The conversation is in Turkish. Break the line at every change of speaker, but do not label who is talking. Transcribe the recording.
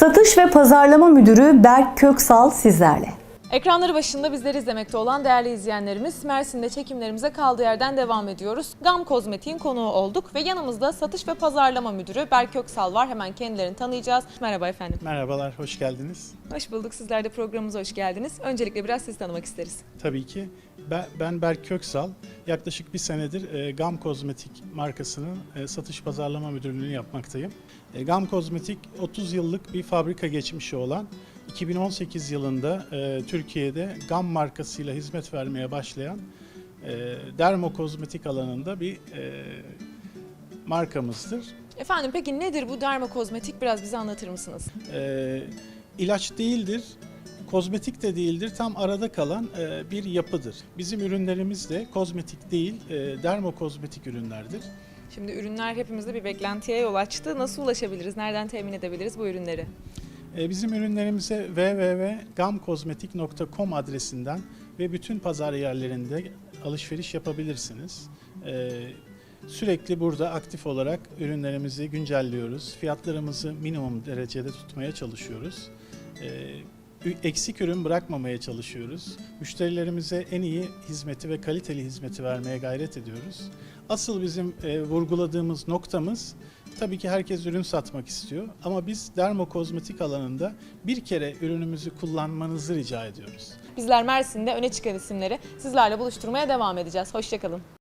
Satış ve Pazarlama Müdürü Berk Köksal sizlerle.
Ekranları başında bizleri izlemekte olan değerli izleyenlerimiz, Mersin'de çekimlerimize kaldığı yerden devam ediyoruz. GAM Kozmetik'in konuğu olduk ve yanımızda Satış ve Pazarlama Müdürü Berk Köksal var. Hemen kendilerini tanıyacağız. Merhaba efendim.
Merhabalar, hoş geldiniz.
Hoş bulduk. Sizler de programımıza hoş geldiniz. Öncelikle biraz sizi tanımak isteriz.
Tabii ki. Ben Berk Köksal. Yaklaşık bir senedir GAM Kozmetik markasının satış pazarlama müdürlüğünü yapmaktayım. GAM Kozmetik 30 yıllık bir fabrika geçmişi olan, 2018 yılında Türkiye'de GAM markasıyla hizmet vermeye başlayan dermokozmetik alanında bir markamızdır.
Efendim peki nedir bu dermokozmetik? Biraz bize anlatır mısınız?
İlaç değildir. Kozmetik de değildir, tam arada kalan bir yapıdır. Bizim ürünlerimiz de kozmetik değil, dermokozmetik ürünlerdir.
Şimdi ürünler hepimizde bir beklentiye yol açtı. Nasıl ulaşabiliriz? Nereden temin edebiliriz bu ürünleri?
Bizim ürünlerimize www.gamkozmetik.com adresinden ve bütün pazar yerlerinde alışveriş yapabilirsiniz. Sürekli burada aktif olarak ürünlerimizi güncelliyoruz. Fiyatlarımızı minimum derecede tutmaya çalışıyoruz. Eksik ürün bırakmamaya çalışıyoruz. Müşterilerimize en iyi hizmeti ve kaliteli hizmeti vermeye gayret ediyoruz. Asıl bizim vurguladığımız noktamız, tabii ki herkes ürün satmak istiyor ama biz dermokozmetik alanında bir kere ürünümüzü kullanmanızı rica ediyoruz.
Bizler Mersin'de öne çıkan isimleri sizlerle buluşturmaya devam edeceğiz. Hoşça kalın.